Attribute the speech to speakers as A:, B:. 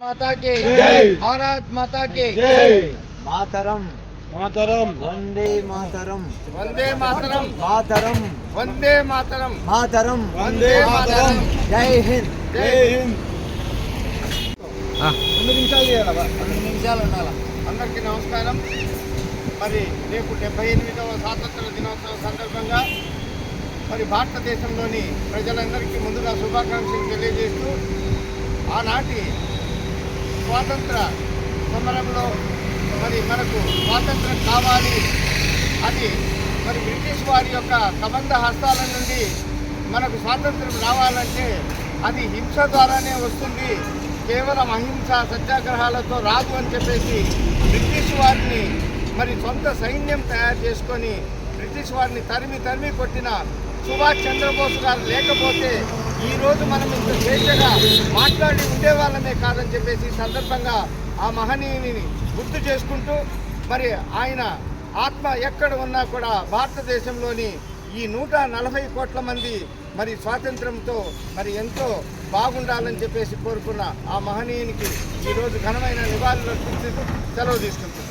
A: माता की जय, भारत माता की जय।
B: मातरम
A: मातरम,
B: वंदे मातरम,
A: वंदे मातरम,
B: मातरम
A: वंदे मातरम,
B: मातरम,
A: वंदे मातरम,
B: जय हिंद।
A: जय हिंद। 2 నిమిషాలు చేయాలా?
B: 2 నిమిషాలు ఉండాలి.
A: అందరికీ నమస్కారం. మరి రేపు 78వ స్వాతంత్ర దినోత్సవం సందర్భంగా మరి భారతదేశంలోని ప్రజలందరికీ ముందుగా శుభాకాంక్షలు తెలియజేస్తూ ఆనాటి స్వాతంత్ర సమరంలో మరి మనకు స్వాతంత్రం కావాలి, అది మరి బ్రిటిష్ వారి యొక్క కబంధ హస్తాల నుండి మనకు స్వాతంత్రం రావాలంటే అది హింస ద్వారానే వస్తుంది, కేవలం అహింస సత్యాగ్రహాలతో రాదు అని చెప్పేసి బ్రిటిష్ వారిని మరి సొంత సైన్యం తయారు చేసుకొని బ్రిటిష్ వారిని తరిమి కొట్టిన సుభాష్ చంద్రబోస్ గారు లేకపోతే ఈరోజు మనం ఇంత స్వేచ్ఛగా మాట్లాడి ఉండేవాళ్ళమే కాదని చెప్పేసి సందర్భంగా ఆ మహనీయుని గుర్తు చేసుకుంటూ మరి ఆయన ఆత్మ ఎక్కడ ఉన్నా కూడా భారతదేశంలోని ఈ 140 కోట్ల మంది మరి స్వాతంత్రంతో మరి ఎంతో బాగుండాలని చెప్పేసి కోరుకున్న ఆ మహనీయునికి ఈరోజు ఘనమైన నివాళులు అర్పిస్తూ సెలవు తీసుకుంటున్నాం.